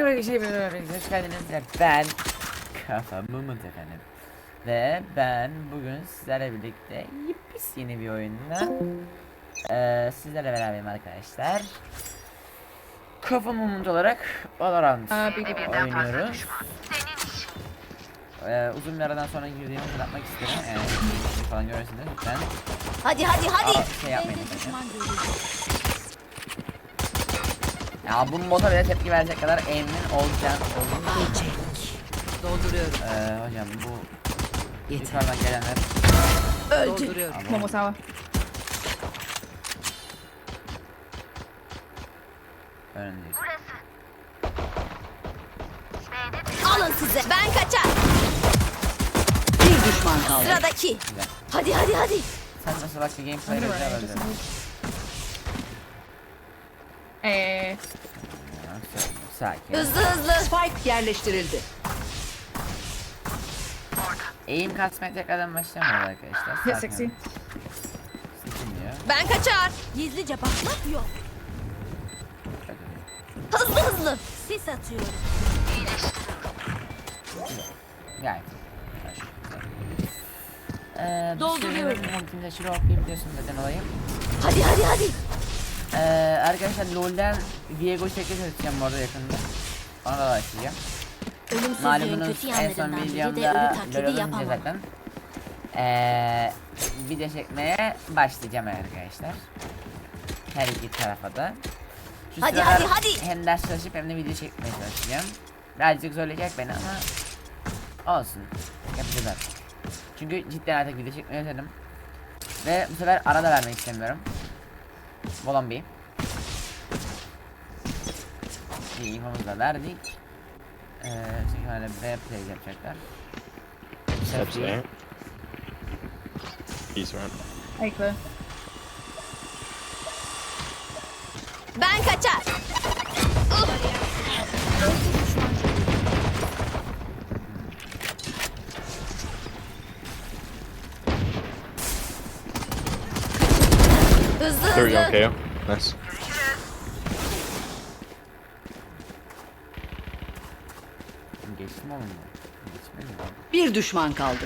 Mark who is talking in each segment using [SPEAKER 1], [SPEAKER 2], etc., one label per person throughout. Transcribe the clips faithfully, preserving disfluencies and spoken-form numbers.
[SPEAKER 1] Merhaba bir şey böyle hoş geldiniz. Ben Kafa Mumut efendim. Ve ben bugün sizlerle birlikte yepyeni yeni bir oyunla ee, sizlerle beraberim arkadaşlar. Kafa Mumut olarak Valorant oynuyoruz. Ee, uzun bir aradan sonra girdiğimi hatırlatmak isterim. Yani falan görürsünüz lütfen.
[SPEAKER 2] Hadi hadi hadi.
[SPEAKER 1] Aa, şey yapmayın. Ya bu moda bile tepki verecek kadar emin olacağım.
[SPEAKER 2] Geçek. Dolduruyorum.
[SPEAKER 1] Ee, hocam bu
[SPEAKER 2] Yeter.
[SPEAKER 1] yukarıdan gelenler
[SPEAKER 2] Öldü. Dolduruyorum.
[SPEAKER 3] Momo sawa.
[SPEAKER 1] önündeyiz.
[SPEAKER 2] Alın size. Ben kaçar.
[SPEAKER 4] Bir düşman kaldı.
[SPEAKER 2] Sıradaki.
[SPEAKER 1] Güzel.
[SPEAKER 2] Hadi hadi hadi.
[SPEAKER 1] Sen nasıl bak bir gameplay güzel öldü.
[SPEAKER 3] Eh,
[SPEAKER 1] Sakin.
[SPEAKER 2] Hızlı hızlı.
[SPEAKER 4] Spike yerleştirildi.
[SPEAKER 1] Eğim kasmaya tekrardan başlamıyor arkadaşlar.
[SPEAKER 3] hit
[SPEAKER 1] Sakin
[SPEAKER 3] sixty.
[SPEAKER 1] olun. Seçilmiyor.
[SPEAKER 2] Ben kaçar. Gizlice bakmak yok.
[SPEAKER 1] Çok iyi.
[SPEAKER 2] Hızlı hızlı. Sis atıyorum.
[SPEAKER 1] Gayet. Ee,
[SPEAKER 2] Dolduruyorum.
[SPEAKER 1] Ultimde şuraya okuyup biliyorsun zaten olayı.
[SPEAKER 2] Hadi hadi hadi.
[SPEAKER 1] Ee, arkadaşlar LoL'den Viego şekli çalışacağım bu arada yakında. Ona da başlayacağım.
[SPEAKER 2] Ölümsüzlüğün
[SPEAKER 1] Malumunuz
[SPEAKER 2] kötü
[SPEAKER 1] en son
[SPEAKER 2] yanlarından biri de
[SPEAKER 1] videomda
[SPEAKER 2] ölü
[SPEAKER 1] LoL
[SPEAKER 2] taklidi
[SPEAKER 1] olunca
[SPEAKER 2] yapamam.
[SPEAKER 1] zaten ee, video çekmeye başlayacağım arkadaşlar. Her iki tarafa da. Şu
[SPEAKER 2] Hadi,
[SPEAKER 1] sıralar
[SPEAKER 2] hadi, hadi.
[SPEAKER 1] hem ders çalışıp hem de video çekmeye çalışacağım. Birazcık zorlayacak beni ama olsun. Yapacağız artık. Çünkü cidden artık video çekmeyi özledim. Ve bu sefer ara da vermek istemiyorum. Bolon bir. İyi infomuzu da verdik. Ee, çünkü hala B play yapacaklar.
[SPEAKER 5] Steps there. He's right.
[SPEAKER 3] Hey, clear.
[SPEAKER 2] Ben kaçar. Hızlı
[SPEAKER 5] There we go,
[SPEAKER 2] hızlı.
[SPEAKER 5] K O. Nice.
[SPEAKER 1] Geçtim oğlum mu? Geçmedi mi?
[SPEAKER 4] Bir düşman kaldı.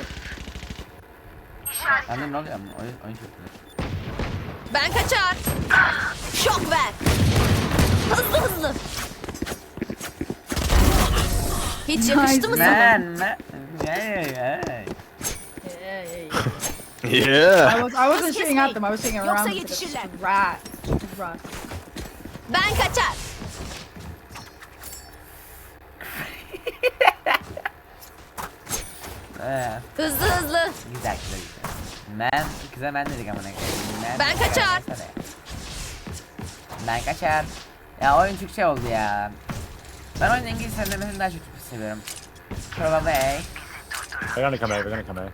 [SPEAKER 1] Annem ne oluyor mu? Oyun, oyun çok güzel.
[SPEAKER 2] Ben kaçar. Şok ver. Hızlı hızlı. Hiç yakıştı mı sana?
[SPEAKER 1] Man, man. Hey, hey.
[SPEAKER 5] Yeah.
[SPEAKER 3] I was I wasn't shooting at them. I was shooting
[SPEAKER 2] Yoksa
[SPEAKER 3] around.
[SPEAKER 2] yetişirler.
[SPEAKER 3] Rat. Rat.
[SPEAKER 2] Ben kaçar.
[SPEAKER 1] Ee,
[SPEAKER 2] Hızlı hızlı.
[SPEAKER 1] güzel güzel güzel. Man, kıza ben dedik amına koyayım. Man,
[SPEAKER 2] Ben kaçar.
[SPEAKER 1] desene. Ben kaçar. Ya oyun çok şey oldu ya. Ben oyunun İngiliz söylemesini daha çok seviyorum. Probably.
[SPEAKER 5] They're gonna come A, they're gonna come A.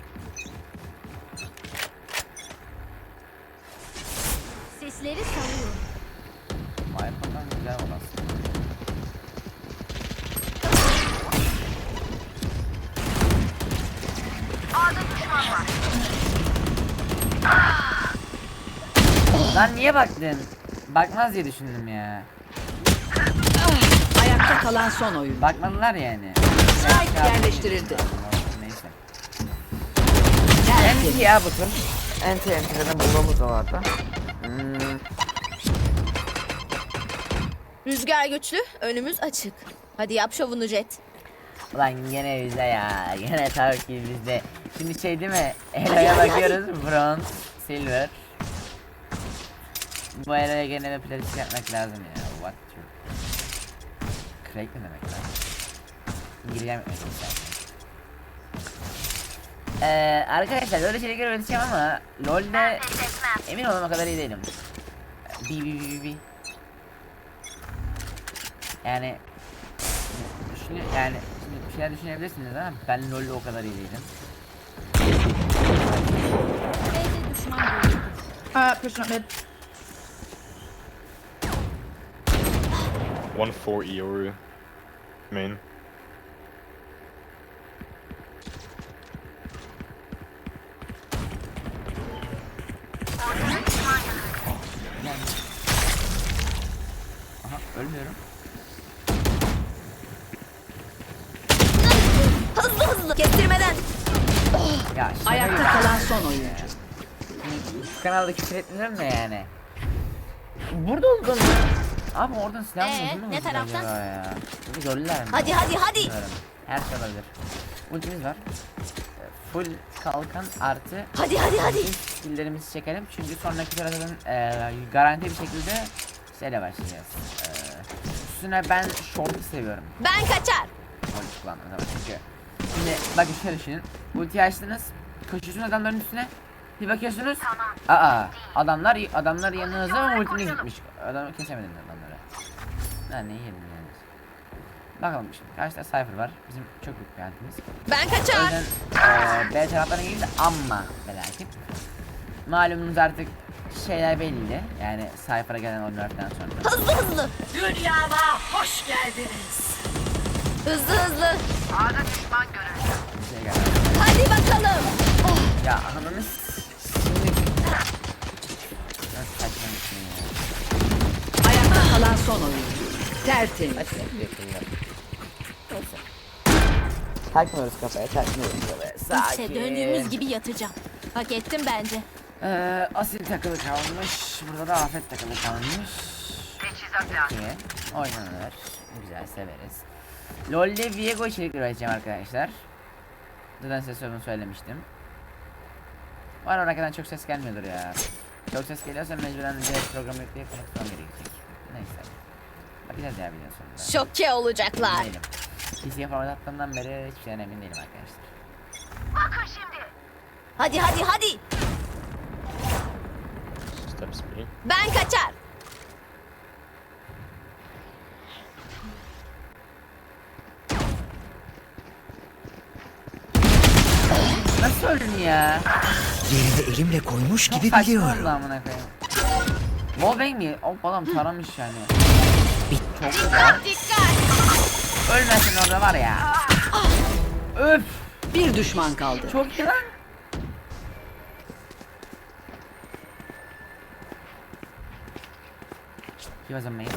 [SPEAKER 2] Sesleri salıyorum.
[SPEAKER 1] Maymundan güzel olasın. Lan niye baktın? Bakmaz diye düşündüm ya.
[SPEAKER 4] Ayakta kalan son oyun.
[SPEAKER 1] Bakmadılar yani.
[SPEAKER 4] Spike yerleştirildi.
[SPEAKER 1] Neyse.
[SPEAKER 4] Tertemiz.
[SPEAKER 1] Enti ya bu tur. Enti enti zaten bulmamız da vardı. Hmm.
[SPEAKER 2] Rüzgar güçlü, önümüz açık. Hadi yap şovunu Jet.
[SPEAKER 1] Ulan gene bizde ya. Gene tabii ki bizde. Şimdi şey değil mi? Elo'ya bakıyoruz. Bronze, silver. Bu Elo'ya gene bir playlist yapmak lazım ya. What you? Crack ne demek lan? İngilizce mi öğreteceğim? Ee, arkadaşlar böyle şeyleri öğreteceğim ama LoL'de emin olmam o kadar iyi değilim. Bi bi bi bi. Yani düşünün yani şimdi bir şeyler düşünebilirsiniz ama ben LoL'de o kadar iyi değilim.
[SPEAKER 2] B'de düşman görüldü.
[SPEAKER 3] Uh, pushing up mid.
[SPEAKER 5] One four Eoru. Main.
[SPEAKER 1] Aha ölmüyorum.
[SPEAKER 2] Kestirmeden.
[SPEAKER 1] Ya şaka
[SPEAKER 4] Ayakta
[SPEAKER 1] gibi.
[SPEAKER 4] kalan son oyuncu.
[SPEAKER 1] Bu kanalda küfür etmiyorum da yani. Burada oldum. Abi oradan silah mı
[SPEAKER 2] Ee,
[SPEAKER 1] buldun mu
[SPEAKER 2] ne
[SPEAKER 1] vurdular
[SPEAKER 2] taraftan?
[SPEAKER 1] acaba ya? Bunu gördüler mi?
[SPEAKER 2] Hadi hadi hadi.
[SPEAKER 1] Bilmiyorum. Her şey olabilir. Ultimiz var. Ee, Full kalkan artı
[SPEAKER 2] Hadi hadi hadi.
[SPEAKER 1] ilk skilllerimizi çekelim. Çünkü sonraki sırada e, garanti bir şekilde şeyle başlayacağız. E, üstüne ben short'u seviyorum.
[SPEAKER 2] Ben kaçar.
[SPEAKER 1] Short kullandım zaman çünkü. Şimdi bakın şöyle düşünün. Ulti açtınız. Koşuyorsunuz adamların üstüne. Bir bakıyorsunuz. Aa adamlar adamlar yanınızda ama ultiniz gitmiş. Adamı kesemediniz adamları. Ben ne yedim yani. Bakalım şimdi. Karşıda Cypher var. Bizim çok büyük bir halimiz.
[SPEAKER 2] Ben
[SPEAKER 1] O
[SPEAKER 2] kaçar.
[SPEAKER 1] yüzden eee B taraflarına gelince amma felaket. Malumunuz artık şeyler belli. Yani Cypher'a gelen o nerf'ten sonra.
[SPEAKER 2] Hızlı hızlı.
[SPEAKER 4] Dünyama hoş geldiniz.
[SPEAKER 2] Hızlı hızlı.
[SPEAKER 1] Bir şey geldi.
[SPEAKER 2] Hadi bakalım. Oh,
[SPEAKER 1] Ya ananı s- şimdi... Nasıl saçma bir şey ya.
[SPEAKER 4] Ayakta kalan son oyuncu. Tertemiz.
[SPEAKER 1] Saçma bir şey ya. Neyse. Takmıyoruz kafaya, takmıyoruz kafaya. Sakin.
[SPEAKER 2] işte döndüğümüz gibi yatacağım. Hak ettim bence.
[SPEAKER 1] Ee, asil takılı kalmış. Burada da afet takılı kalmış. Peki. Oynanır. Güzel severiz. LoL'de Viego içerik üreteceğim arkadaşlar. Zaten size sorunu söylemiştim. Var arkadan çok ses gelmiyordur ya. Çok ses geliyorsa mecburen direkt programı yükleyip konuşmam gerekecek. Neyse. Bakacağız ya videonun sonunda.
[SPEAKER 2] Şoke olacaklar.
[SPEAKER 1] Emin değilim. P C'ye format attığımdan beri hiçbir şeyden emin değilim arkadaşlar.
[SPEAKER 2] Hadi hadi hadi.
[SPEAKER 5] Steps B.
[SPEAKER 2] Ben kaçar.
[SPEAKER 1] Nasıl öldün ya?
[SPEAKER 6] Yerine elimle koymuş
[SPEAKER 1] Çok
[SPEAKER 6] gibi
[SPEAKER 1] saçma oldu
[SPEAKER 6] biliyorum.
[SPEAKER 1] amına koyayım. Wallbang mi? Hop adam taramış yani. Çok güzel.
[SPEAKER 2] Dikkat.
[SPEAKER 1] Ölmesin orada var ya. Öf.
[SPEAKER 4] Bir düşman kaldı.
[SPEAKER 1] Çok iyi lan. He was amazing.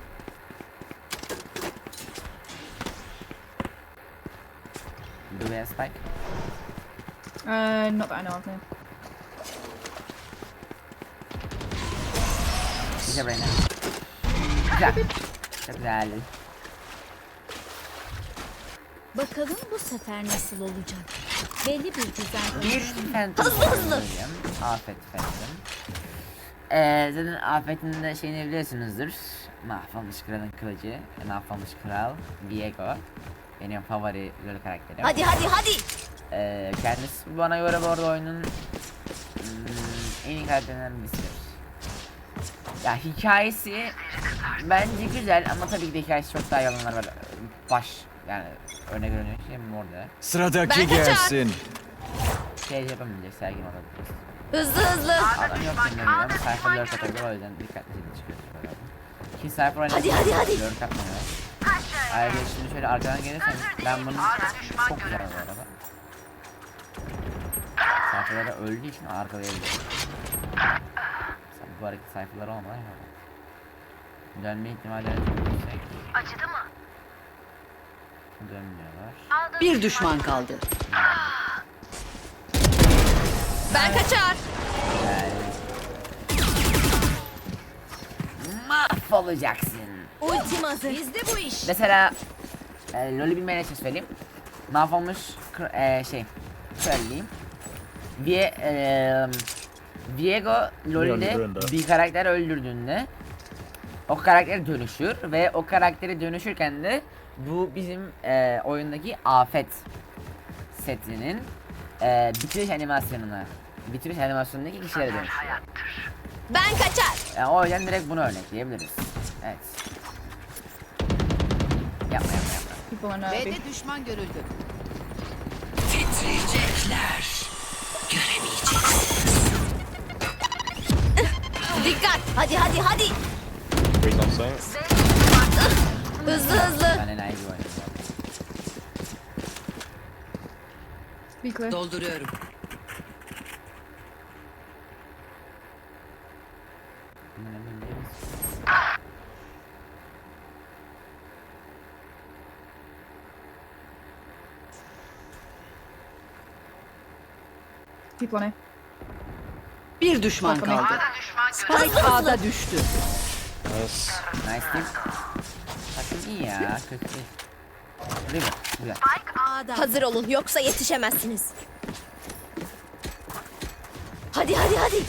[SPEAKER 1] Do we have spike?
[SPEAKER 3] Uh, not that I know of. No.
[SPEAKER 1] Bize Reyna. Güzel. Çok güzel.
[SPEAKER 7] Bakalım bu sefer nasıl olacak? Belli bir düzen.
[SPEAKER 1] Bir Phantom söyleyeyim. Afet Phantom. Ee, zaten Afet'in de şeyini biliyorsunuzdur. Mahvolmuş Kral'ın kılıcı. Mahvolmuş Kral. Viego. Benim favori LoL karakterim.
[SPEAKER 2] Hadi hadi hadi.
[SPEAKER 1] Ee, kendisi bana göre bu arada oyunun hmm, en iyi karakterlerinden birisidir. Ya hikayesi bence güzel ama tabii ki de hikayesi çok daha yalanlar var. Baş yani örnek görünüyor şey mi orada?
[SPEAKER 6] Sıradaki
[SPEAKER 2] Ben kaçar.
[SPEAKER 6] gelsin.
[SPEAKER 1] Şey yapamayacak sergin olabilir.
[SPEAKER 2] Hızlı hızlı.
[SPEAKER 1] Adam yok şimdi ama sayfa lurk atabilir o yüzden dikkatli çıkıyoruz böyle. Ki sayfa oynayıp
[SPEAKER 2] Hadi, hadi, hadi.
[SPEAKER 1] lurk atmıyor. Ayrıca şimdi şöyle arkadan gelirsen ben bunu çok güzel bu arada. Sayfalara öldüğü için arkalayabilirim. Sen bu hareket sayfaları olmadan yapalım. Dönme ihtimalleri çok yüksek.
[SPEAKER 8] Acıdı mı?
[SPEAKER 1] Dönmüyorlar.
[SPEAKER 4] Bir düşman kaldı.
[SPEAKER 2] Ben kaçar.
[SPEAKER 1] Yani... Mahvolacaksın.
[SPEAKER 2] Ultim hazır. Bizde bu iş.
[SPEAKER 1] Mesela e, LoL'ü bilmeyen için söyleyeyim. Mahvolmuş kr- e, şey söyleyeyim. Vie, e, Viego LoL'de
[SPEAKER 5] Öldürdüğünde.
[SPEAKER 1] bir karakter öldürdüğünde o karakter dönüşür ve o karakteri dönüşürken de bu bizim e, oyundaki afet setinin e, bitiriş animasyonuna bitiriş animasyonundaki kişilere dönüşüyor.
[SPEAKER 2] Ben kaçar.
[SPEAKER 1] Yani o yüzden direkt bunu örnekleyebiliriz. Evet. Yapma yapma yapma.
[SPEAKER 3] People in uh, B.
[SPEAKER 4] B'de düşman görüldü.
[SPEAKER 2] Dikkat. Hadi hadi hadi.
[SPEAKER 5] Wait on site.
[SPEAKER 2] Hızlı hızlı.
[SPEAKER 1] Ben enayi bir oyunum.
[SPEAKER 3] Be clear.
[SPEAKER 4] Dolduruyorum.
[SPEAKER 1] Bundan emin değiliz.
[SPEAKER 3] People on A.
[SPEAKER 4] Bir düşman
[SPEAKER 3] Bakın.
[SPEAKER 4] kaldı. Spike A'da düştü.
[SPEAKER 5] Nice.
[SPEAKER 1] Nice team. Takım iyi ya. Kötü değil. Değil mi? Güzel.
[SPEAKER 2] Hazır olun yoksa yetişemezsiniz. Hadi hadi hadi.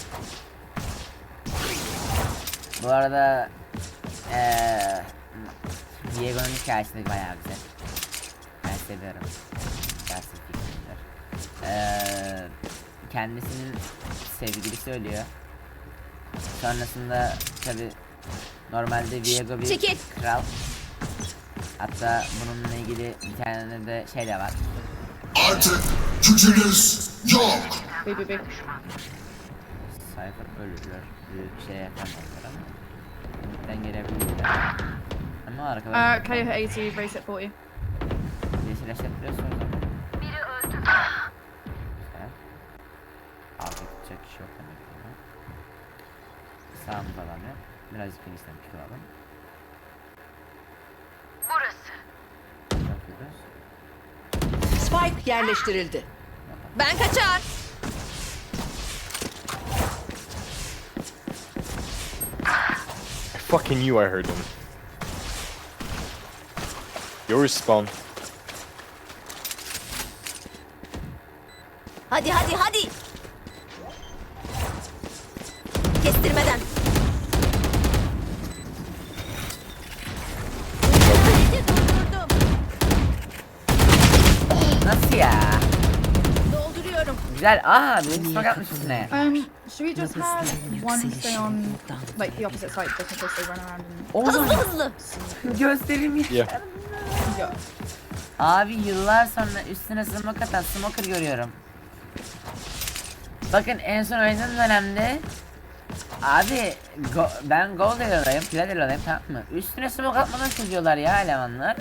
[SPEAKER 1] Bu arada eee Diego'nun hikayesi de bayağı güzel. Ben seviyorum. Dersi fikrimdir. Eee kendisinin sevgilisi ölüyor. Sonrasında tabi normalde Diego bir
[SPEAKER 2] Çekil.
[SPEAKER 1] kral. Hatta bununla ilgili bir tane de şey de var.
[SPEAKER 8] Artık gücünüz yok.
[SPEAKER 3] B, B, B.
[SPEAKER 1] Cypher ölürler. Bir şey yapamazlar ama. Ümit'ten gelebilirler. Ama arkadan
[SPEAKER 3] Uh, K hit eighty, race at forty.
[SPEAKER 1] yeşil eşlettiriyorsun o zaman. Biri öldü. Güzel. Abi tutacak kişi yok demek ki. buna. Sağımızda adam yok. Birazcık genişten bir alalım. Burası. Yapıyoruz.
[SPEAKER 4] Spike yerleştirildi.
[SPEAKER 2] Ben kaçar.
[SPEAKER 5] I fucking knew I heard him. Your respawn.
[SPEAKER 2] Hadi hadi hadi. Kestirmeden. Hadi durdurdum.
[SPEAKER 1] Nasıl ya?
[SPEAKER 2] Dolduruyorum.
[SPEAKER 1] Güzel. Aa, bir smoke atmış üstüne.
[SPEAKER 3] Um, should we just have one stay on like the opposite side just in case they run around and
[SPEAKER 1] Oğlum
[SPEAKER 2] Hızlı hızlı.
[SPEAKER 1] göstereyim ya.
[SPEAKER 5] Yeah.
[SPEAKER 3] yeah.
[SPEAKER 1] Abi yıllar sonra üstüne smoke atan smoker görüyorum. Bakın en son oynadığım dönemde abi go, ben gol ediyorum, plat ediyorum, tamam mı? Üstüne smoke atmadan çözüyorlar ya elemanlar.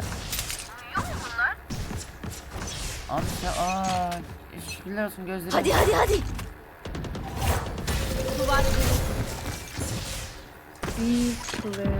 [SPEAKER 1] Abi ya aaa şükürler olsun gözlerim.
[SPEAKER 2] Hadi hadi hadi. Duvar.
[SPEAKER 3] B clear.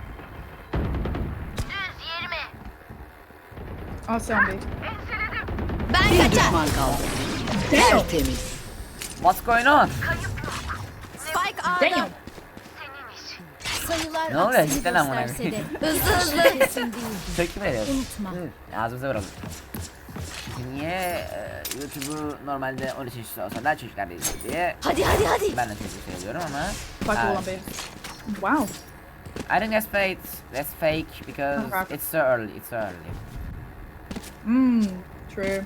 [SPEAKER 3] I'll stay on B.
[SPEAKER 2] Ben
[SPEAKER 4] Bir
[SPEAKER 2] kaçar.
[SPEAKER 4] düşman kaldı. Tertemiz.
[SPEAKER 1] What's going on?
[SPEAKER 2] Spike A'da.
[SPEAKER 3] Damn.
[SPEAKER 7] Sayılar
[SPEAKER 1] Ne oluyor?
[SPEAKER 7] aksini
[SPEAKER 1] Cidden amına
[SPEAKER 7] gösterse de
[SPEAKER 2] Hızlı hızlı.
[SPEAKER 7] kesin değil.
[SPEAKER 1] Tepki veriyoruz.
[SPEAKER 7] Unutma.
[SPEAKER 1] Hı, ağzımıza vuralım. Niye e, YouTube'u normalde on üç yaş olsa da çocuklar da izliyor diye
[SPEAKER 2] Hadi hadi hadi.
[SPEAKER 1] ben de çocuk söylüyorum ama
[SPEAKER 3] Spike all
[SPEAKER 1] uh,
[SPEAKER 3] on B. Wow.
[SPEAKER 1] I think that's fake. That's fake because
[SPEAKER 3] Okay.
[SPEAKER 1] it's so early. It's so early.
[SPEAKER 3] Mmm, true.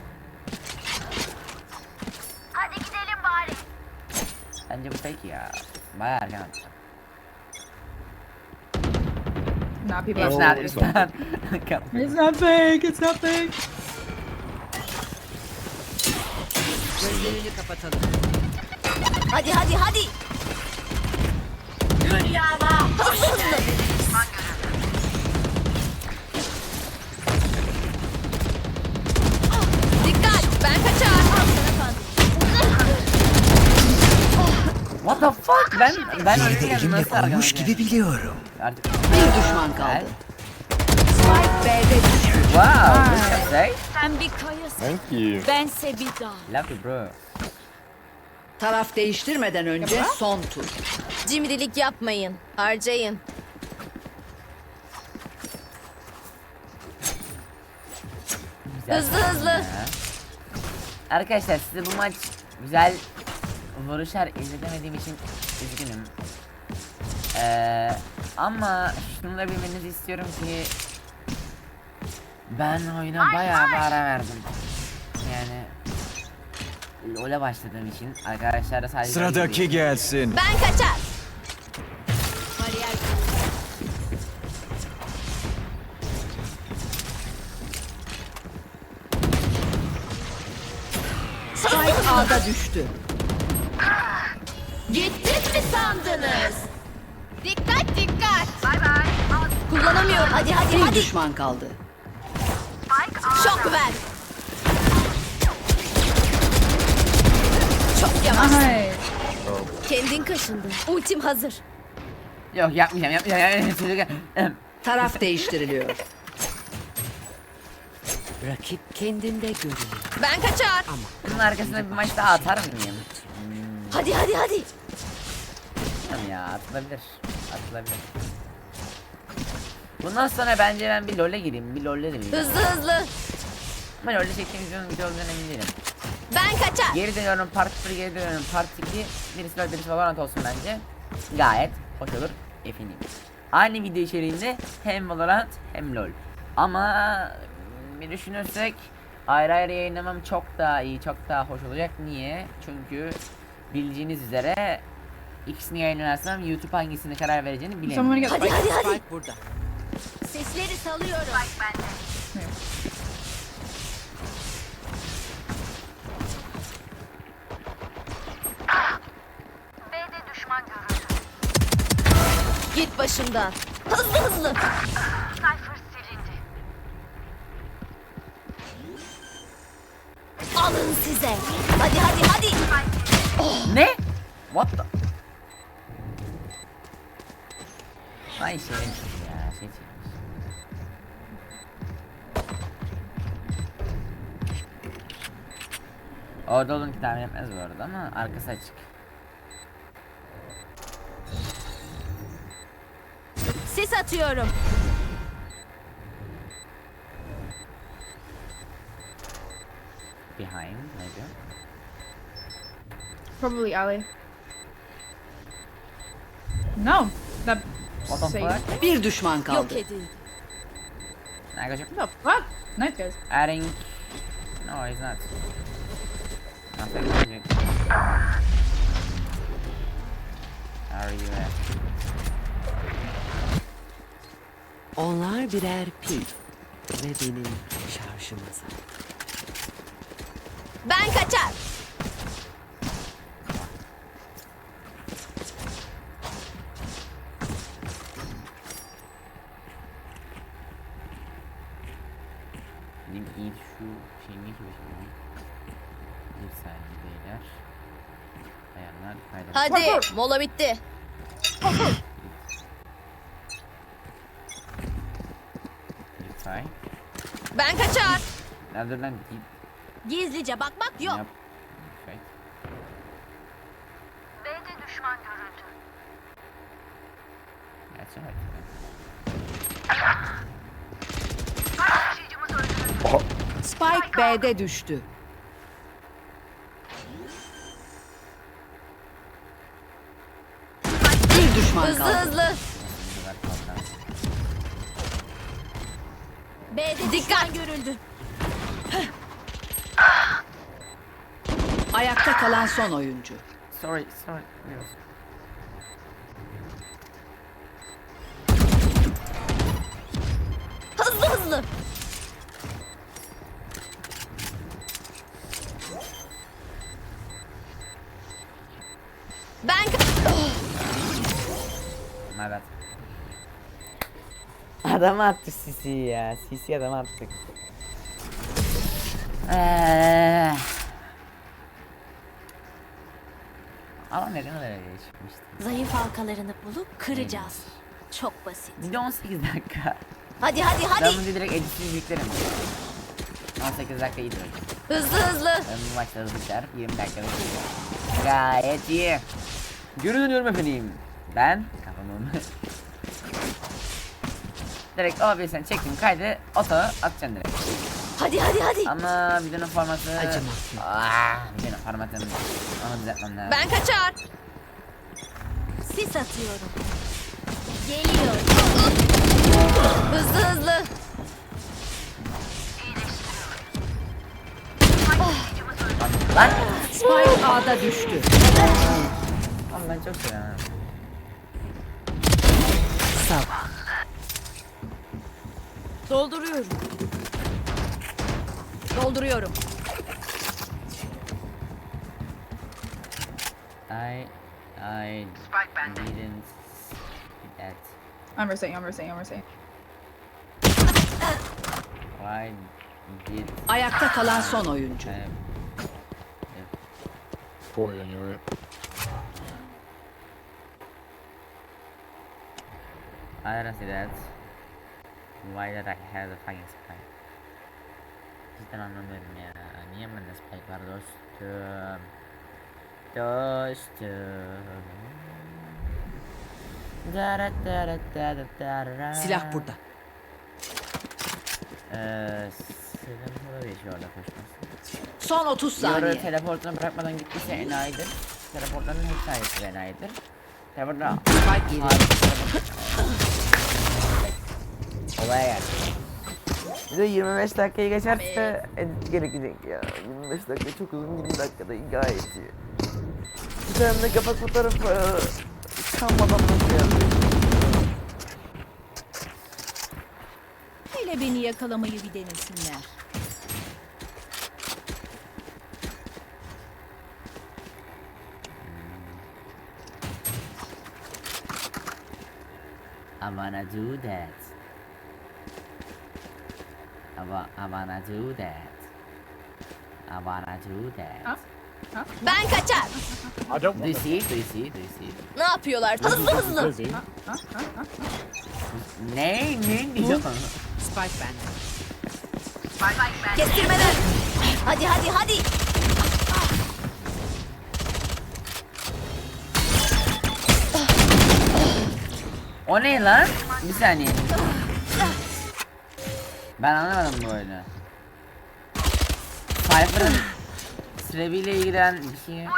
[SPEAKER 1] Bence bu fake ya. Bayağı erken attı.
[SPEAKER 3] Nah, people
[SPEAKER 1] It's
[SPEAKER 3] are.
[SPEAKER 1] not. It's not.
[SPEAKER 3] It's not fake. It's not fake.
[SPEAKER 4] Gözlerini kapatalım.
[SPEAKER 2] Hadi hadi hadi. Hızlı hızlı. Dikkat. Ben kaçar.
[SPEAKER 1] What the fuck? Ben ben
[SPEAKER 6] Yeri de
[SPEAKER 1] ölürken
[SPEAKER 6] elimle
[SPEAKER 1] nasıl
[SPEAKER 6] koymuş
[SPEAKER 1] arkamda?
[SPEAKER 6] gibi biliyorum.
[SPEAKER 1] Artık
[SPEAKER 4] Bir düşman kaldı. Spike B'de düştü.
[SPEAKER 1] Wow. What can I say?
[SPEAKER 7] Sen bir kayasın.
[SPEAKER 5] Thank you.
[SPEAKER 7] Bense bir dağ.
[SPEAKER 1] Love you bro.
[SPEAKER 4] Taraf değiştirmeden önce son tur.
[SPEAKER 2] Cimrilik yapmayın. Harcayın.
[SPEAKER 1] Güzel.
[SPEAKER 2] Hızlı hızlı.
[SPEAKER 1] Ya. Arkadaşlar size bu maç güzel vuruşlar izletemediğim için üzgünüm. Ee, ama şunu da bilmenizi istiyorum ki ben oyuna bayağı bir ara verdim. Yani LoL'e başladığım için arkadaşlar da sadece
[SPEAKER 6] Sıradaki gelsin.
[SPEAKER 2] Ben kaçar.
[SPEAKER 4] Spike A'da düştü.
[SPEAKER 2] Gittik mi sandınız? Dikkat dikkat. Bay bay. Kullanamıyorum. Hadi hadi
[SPEAKER 4] Bir
[SPEAKER 2] hadi.
[SPEAKER 4] düşman kaldı.
[SPEAKER 2] Şok ver. Çok yavaş.
[SPEAKER 3] Nice.
[SPEAKER 2] Kendin kaşındın. Ultim hazır.
[SPEAKER 1] Yok yapmayacağım yapmayacağım. yapmayacağım.
[SPEAKER 4] Taraf değiştiriliyor. Rakip kendinde görünür.
[SPEAKER 2] Ben kaçar.
[SPEAKER 1] Bunun arkasına bir maç daha atar mıyım?
[SPEAKER 2] Hadi hadi hadi.
[SPEAKER 1] Bilmiyorum ya, atılabilir. Atılabilir. Bundan sonra bence ben bir LoL'e gireyim. Bir LoL'e de gireyim.
[SPEAKER 2] Hızlı hızlı.
[SPEAKER 1] Ama LoL'de çektiğim videonun video olduğundan emin değilim.
[SPEAKER 2] Ben kaçar.
[SPEAKER 1] Geri dönüyorum, part bir geri dönüyorum, part iki. Birisi LoL, birisi Valorant olsun bence. Gayet hoş olur efendim. Aynı video içeriğinde hem Valorant hem LoL. Ama bir düşünürsek ayrı ayrı yayınlamam çok daha iyi, çok daha hoş olacak. Niye? Çünkü bildiğiniz üzere ikisini yayınlarsam YouTube hangisini karar vereceğini
[SPEAKER 3] Someone
[SPEAKER 1] bilemiyorum.
[SPEAKER 3] get
[SPEAKER 2] Hadi
[SPEAKER 3] spike.
[SPEAKER 2] hadi hadi.
[SPEAKER 4] Spike burada.
[SPEAKER 2] Sesleri salıyorum. Git başımdan. Hızlı hızlı. Alın size. Hadi hadi hadi.
[SPEAKER 1] Ne? What the? Ay şey ya, şey çekmiş. Orada olun ki tahmin etmez bu arada ama arkası açık.
[SPEAKER 2] Sis atıyorum.
[SPEAKER 1] Behind maybe.
[SPEAKER 3] Probably alley. No. That
[SPEAKER 1] What the
[SPEAKER 3] safe.
[SPEAKER 1] fuck?
[SPEAKER 4] Bir düşman
[SPEAKER 2] Yok
[SPEAKER 4] kaldı.
[SPEAKER 2] edildi.
[SPEAKER 1] I got you.
[SPEAKER 3] What the fuck? Nice guys.
[SPEAKER 1] Adding. No, he's not. Nothing magic. Are you at?
[SPEAKER 4] Onlar birer pil ve benim şarjım azal.
[SPEAKER 2] Ben kaçar.
[SPEAKER 1] Benim iyi şu şeyin ne gibi şey. Bir saniye beyler. Ayarlar kayda.
[SPEAKER 2] Hadi mola bitti.
[SPEAKER 1] Bir say.
[SPEAKER 2] Ben kaçar.
[SPEAKER 1] Nerede lan? Git.
[SPEAKER 2] Gizlice bakmak yok.
[SPEAKER 1] Yap. Şey.
[SPEAKER 2] B'de düşman görüldü.
[SPEAKER 1] Gerçi hadi.
[SPEAKER 4] Spike B'de düştü. Bir düşman
[SPEAKER 2] Hızlı
[SPEAKER 4] kaldı.
[SPEAKER 2] hızlı. B'de dikkat görüldü.
[SPEAKER 4] Ayakta kalan son oyuncu.
[SPEAKER 1] Sorry, sorry. Yes.
[SPEAKER 2] Hızlı hızlı. Ben
[SPEAKER 1] My bad. Adamı attı Sisi ya. Sisi adamı attık. Eee. Ama neden öyle çıkmıştı?
[SPEAKER 2] zayıf halkalarını bulup kıracağız. Çok basit.
[SPEAKER 1] Video on sekiz dakika.
[SPEAKER 2] Hadi hadi
[SPEAKER 1] Ben
[SPEAKER 2] hadi.
[SPEAKER 1] bunu direkt editsiz yüklerim. on sekiz dakika iyidir hocam.
[SPEAKER 2] Hızlı hızlı.
[SPEAKER 1] Ben bu maçta hızlı biter. yirmi dakikada bitiyor. Gayet iyi. Geri dönüyorum efendim. Ben kafamı direkt o bir sen çektim kaydı oto atacaksın direkt.
[SPEAKER 2] Hadi hadi hadi.
[SPEAKER 1] Ama videonun formatı
[SPEAKER 4] Acımak yok.
[SPEAKER 1] Aaaa videonun formatını onu düzeltmem lazım.
[SPEAKER 2] Ben kaçar. Sis atıyorum. Geliyor. Hızlı hızlı.
[SPEAKER 1] Lan!
[SPEAKER 4] Spike A'da düştü.
[SPEAKER 1] Oğlum ben çok seviyorum.
[SPEAKER 4] Sabah.
[SPEAKER 2] Dolduruyorum. Dolduruyorum.
[SPEAKER 1] I I didn't see that.
[SPEAKER 3] I'm resaying, I'm resaying, I'm resaying.
[SPEAKER 1] Why did
[SPEAKER 4] Ayakta kalan son oyuncu.
[SPEAKER 1] I
[SPEAKER 5] Four on your right.
[SPEAKER 1] I don't see that. Why did I have the fucking spy? Cidden anlamıyorum ya. Niye bende spike var dostum? Dostum. Dara dara dara dara.
[SPEAKER 4] Silah burada.
[SPEAKER 1] Eee senin burada bir şey orada koşması.
[SPEAKER 4] Son otuz
[SPEAKER 1] Yoru
[SPEAKER 4] saniye.
[SPEAKER 1] teleportuna bırakmadan gittiyse enayidir. Teleportların hep sayesi enayidir. Teleportuna
[SPEAKER 4] Spike yeri.
[SPEAKER 1] olaya geldi. Bir de yirmi beş dakikayı geçerse edit gerekecek ya. yirmi beş dakika çok uzun, yirmi dakikada gayet iyi. Bir tane de kapak fotoğrafı kalmadan başlayalım.
[SPEAKER 7] Hele beni yakalamayı bir denesinler.
[SPEAKER 1] I wanna do that. I, wa I wanna do that. I wanna do that.
[SPEAKER 2] Ben kaçar.
[SPEAKER 5] I don't
[SPEAKER 1] Do you
[SPEAKER 5] want
[SPEAKER 1] see? Do you see? Do you see?
[SPEAKER 2] Ne yapıyorlar? Hızlı hızlı.
[SPEAKER 5] Lizzie.
[SPEAKER 1] Ne? Ne diyor?
[SPEAKER 4] Spike bende.
[SPEAKER 2] Kestirmeden. Hadi hadi hadi.
[SPEAKER 1] O ne lan? Bir saniye. Ben anlamadım bu oyunu. Cypher'ın sürebiyle ilgilen bir şey.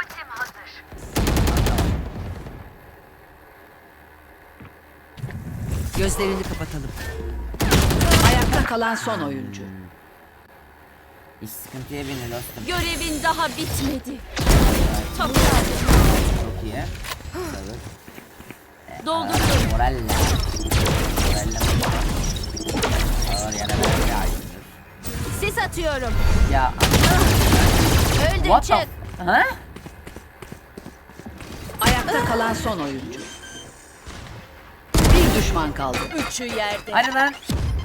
[SPEAKER 4] Gözlerini kapatalım. Ayakta kalan son oyuncu.
[SPEAKER 1] İş sıkıntıya bindi dostum.
[SPEAKER 2] Görevin daha bitmedi. Çok
[SPEAKER 1] Çok iyi. Evet.
[SPEAKER 2] Doldurdum.
[SPEAKER 1] Moralla. Moralla. Ağır yana böyle bir aydındır.
[SPEAKER 2] Sis atıyorum.
[SPEAKER 1] Ya.
[SPEAKER 2] Öldün
[SPEAKER 1] What
[SPEAKER 2] çık.
[SPEAKER 1] the? Ha?
[SPEAKER 4] Ayakta kalan son oyuncu. Bir düşman kaldı.
[SPEAKER 2] Üçü yerde.
[SPEAKER 1] Hadi lan.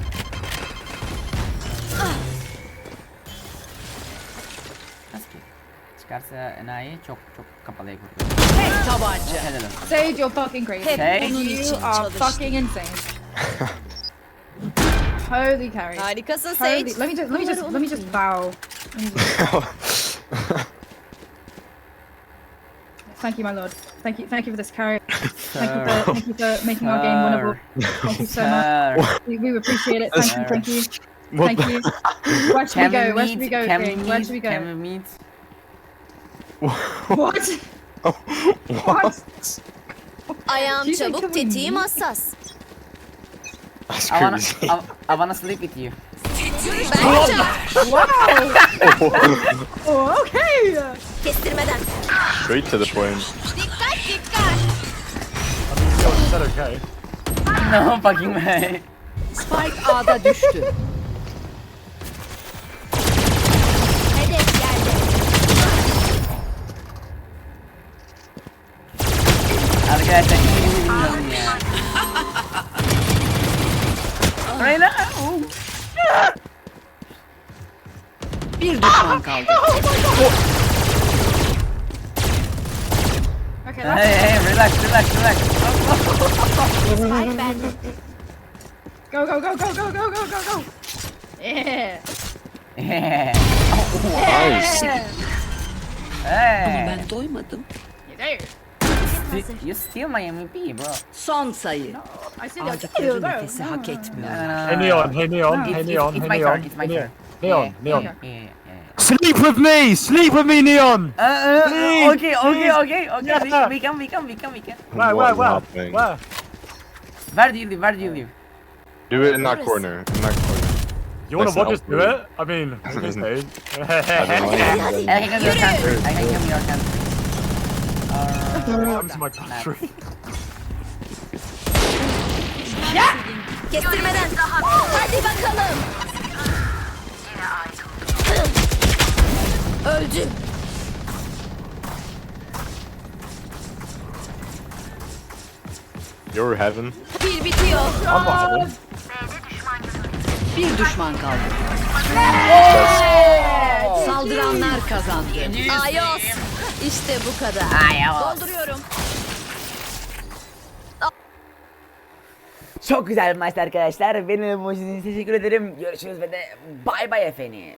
[SPEAKER 1] Nasıl ki? Çıkarsa enayi çok çok kapalıya kurtulur.
[SPEAKER 4] Tek tabanca.
[SPEAKER 1] Helal olsun.
[SPEAKER 3] Sage, you're fucking crazy.
[SPEAKER 1] Sage?
[SPEAKER 3] You are fucking insane. Holy carry.
[SPEAKER 2] Harikasın
[SPEAKER 3] Holy.
[SPEAKER 2] Sage.
[SPEAKER 3] Let me just let me just let me just bow. Let me just- Thank you, my lord. Thank you, thank you for this carry. Thank you for, thank you for making our game winnable. Thank you so much.
[SPEAKER 1] Sir.
[SPEAKER 3] We, we appreciate it. Thank you, thank you,
[SPEAKER 5] What
[SPEAKER 3] thank
[SPEAKER 5] the-
[SPEAKER 3] you. Where should we
[SPEAKER 1] Can
[SPEAKER 3] go?
[SPEAKER 1] we
[SPEAKER 3] Where should we
[SPEAKER 1] meet?
[SPEAKER 3] go,
[SPEAKER 1] Can we
[SPEAKER 3] King? Where should we
[SPEAKER 1] meet? Can
[SPEAKER 3] go?
[SPEAKER 1] we meet?
[SPEAKER 3] What? What?
[SPEAKER 2] Ayağım
[SPEAKER 3] She's like,
[SPEAKER 2] çabuk,
[SPEAKER 3] "Come with
[SPEAKER 2] tetiğim
[SPEAKER 3] me."
[SPEAKER 2] hassas.
[SPEAKER 5] That's
[SPEAKER 1] I wanna,
[SPEAKER 5] crazy.
[SPEAKER 1] I, I wanna sleep with you.
[SPEAKER 2] Ben kaçar.
[SPEAKER 3] Oh, okay.
[SPEAKER 2] Kestirmeden.
[SPEAKER 5] Straight to the point.
[SPEAKER 2] Dikkat dikkat.
[SPEAKER 5] Is that okay?
[SPEAKER 1] No fucking way.
[SPEAKER 4] Spike A'da düştü.
[SPEAKER 2] Hedef yerde.
[SPEAKER 1] Arkadaşlar hiçbirimizi bilmiyorum ya. Reyna.
[SPEAKER 4] Bir düşman kaldı.
[SPEAKER 3] Okay,
[SPEAKER 1] Hey
[SPEAKER 3] that's
[SPEAKER 1] hey relax relax relax.
[SPEAKER 2] Spike bende.
[SPEAKER 3] go, go, go, go, go, go, go, go, go. Yeah.
[SPEAKER 5] Nice.
[SPEAKER 1] Hey.
[SPEAKER 4] Ben doymadım.
[SPEAKER 3] You do.
[SPEAKER 1] Sti- You steal my M V P bro.
[SPEAKER 4] Son sayı.
[SPEAKER 3] I see that.
[SPEAKER 4] Aldıkları nefesi hak etmiyor.
[SPEAKER 5] Hey Neon, hey Neon,
[SPEAKER 1] It's,
[SPEAKER 5] hey
[SPEAKER 1] it's,
[SPEAKER 5] Neon,
[SPEAKER 1] it's
[SPEAKER 5] hey
[SPEAKER 1] my
[SPEAKER 5] Neon,
[SPEAKER 1] turn, it's my
[SPEAKER 5] hey
[SPEAKER 1] turn.
[SPEAKER 5] Neon,
[SPEAKER 1] Yeah,
[SPEAKER 5] Neon.
[SPEAKER 1] yeah, yeah, yeah.
[SPEAKER 5] Sleep with me! Sleep with me, Neon!
[SPEAKER 1] Uh, uh,
[SPEAKER 5] Please,
[SPEAKER 1] okay, okay, okay, okay.
[SPEAKER 5] Yeah.
[SPEAKER 1] We, we can, we can, we can, we can.
[SPEAKER 5] Where, where, where? Where?
[SPEAKER 1] Where do you live? Where do you live?
[SPEAKER 5] Do it in that corner, in that corner.
[SPEAKER 9] You wanna
[SPEAKER 5] That's
[SPEAKER 9] watch
[SPEAKER 5] not
[SPEAKER 9] us do
[SPEAKER 5] good.
[SPEAKER 9] it? I mean, okay, Stage.
[SPEAKER 5] I don't know.
[SPEAKER 1] I can come to your camp. I can come to your camp.
[SPEAKER 9] Come to my country.
[SPEAKER 2] Kestirmeden. Hadi bakalım. Öldü.
[SPEAKER 5] You're heaven.
[SPEAKER 2] Bir bitiyor.
[SPEAKER 4] Bir düşman kaldı. Saldıranlar kazandı.
[SPEAKER 2] Ayos. İşte bu kadar.
[SPEAKER 1] Ayos.
[SPEAKER 2] Dolduruyorum.
[SPEAKER 1] Çok güzel bir maçtı arkadaşlar. Benim için teşekkür ederim. Görüşürüz ve de bay bay efendim.